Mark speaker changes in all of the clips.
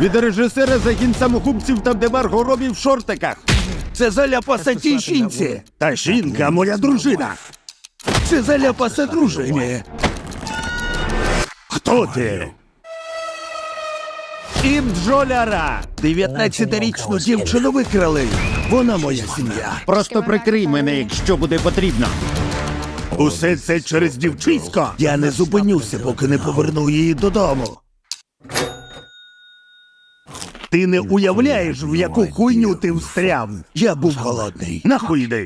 Speaker 1: Від режисера «Загін самогубців» там, де Марго Робі в шортиках.
Speaker 2: Це заляпаса тій жінці.
Speaker 1: Та жінка, моя дружина.
Speaker 2: Це заляпаса дружині.
Speaker 1: Хто ти? І бджоляра.
Speaker 2: 19-річну дівчину викрали. Вона моя сім'я.
Speaker 1: Просто прикрий мене, якщо буде потрібно. Усе це через дівчисько.
Speaker 2: Я не зупинюся, поки не поверну її додому.
Speaker 1: Ти не уявляєш, в яку хуйню ти встряв.
Speaker 2: Я був голодний.
Speaker 1: Нахуй йди.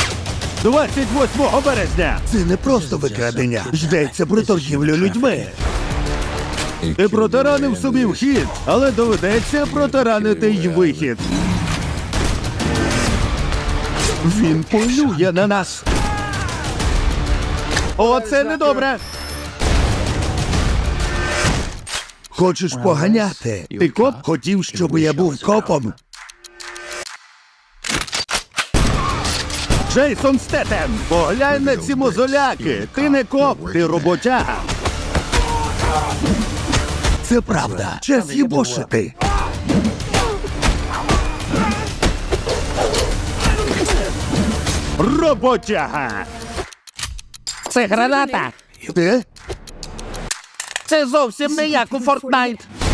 Speaker 1: 28 березня.
Speaker 2: Це не просто викрадення. Йдеться про торгівлю людьми.
Speaker 1: Ти протаранив собі вхід, але доведеться протаранити й вихід. Він полює на нас. О, це недобре.
Speaker 2: Хочеш поганяти?
Speaker 1: Ти коп?
Speaker 2: Хотів, щоб я був копом?
Speaker 1: Джейсон Стетем, поглянь на ці мозоляки. Ти не коп, ти роботяга.
Speaker 2: Це правда. Час їбошити.
Speaker 1: Роботяга. Це граната.
Speaker 2: Ти?
Speaker 1: Це зовсім не як у Фортнайт.